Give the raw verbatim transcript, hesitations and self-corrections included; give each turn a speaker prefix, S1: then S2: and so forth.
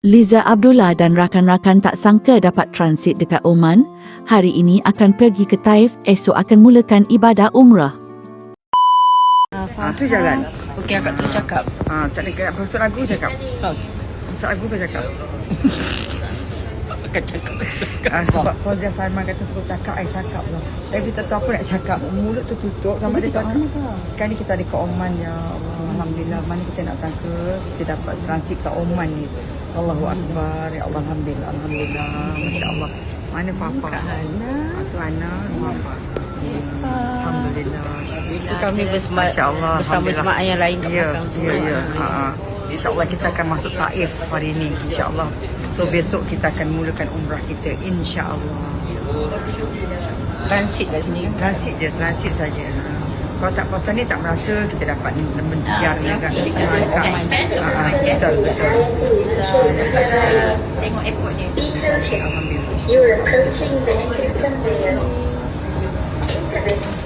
S1: Liza Abdullah dan rakan-rakan tak sangka dapat transit dekat Oman. Hari ini akan pergi ke Taif, esok akan mulakan ibadah umrah.
S2: Ah, tu jalan.
S3: Okey, akak terus cakap.
S2: Ah, tak ada apa masuk lagu cakap.
S3: Oh,
S2: Masuk lagu ke cakap.
S3: akak cakap.
S2: Ah, sebab Fauzia Salman kata suruh cakap, I cakap lah. Tapi kita tahu apa nak cakap. Mulut tertutup sama dia cakap. Sekarang ni kita ada ke Oman, ya Allah. Alhamdulillah. Mana kita nak sangka kita dapat transit ke Oman ni. Allahu Akbar. Ya Allah, Alhamdulillah. Alhamdulillah. Masya Allah. Mana Fafa? Ah, tu Ana, Fafa. Alhamdulillah.
S3: Itu kami bersama,
S2: Masya Allah,
S3: bersama jemaah yang lain kat
S2: Ya,
S3: belakang.
S2: ya, ya. Ha, ha. InsyaAllah kita akan masuk Taif hari ini. InsyaAllah. So besok kita akan mulakan umrah kita. InsyaAllah.
S3: Transit kat sini kan?
S2: Transit je, transit saja. Kalau tak pasal ni tak merasa kita dapat menjar juga. Ha, ha. Betul, betul.
S3: Tengok airport ni.
S2: Alhamdulillah.
S4: You're approaching the entrance conveyor. Internet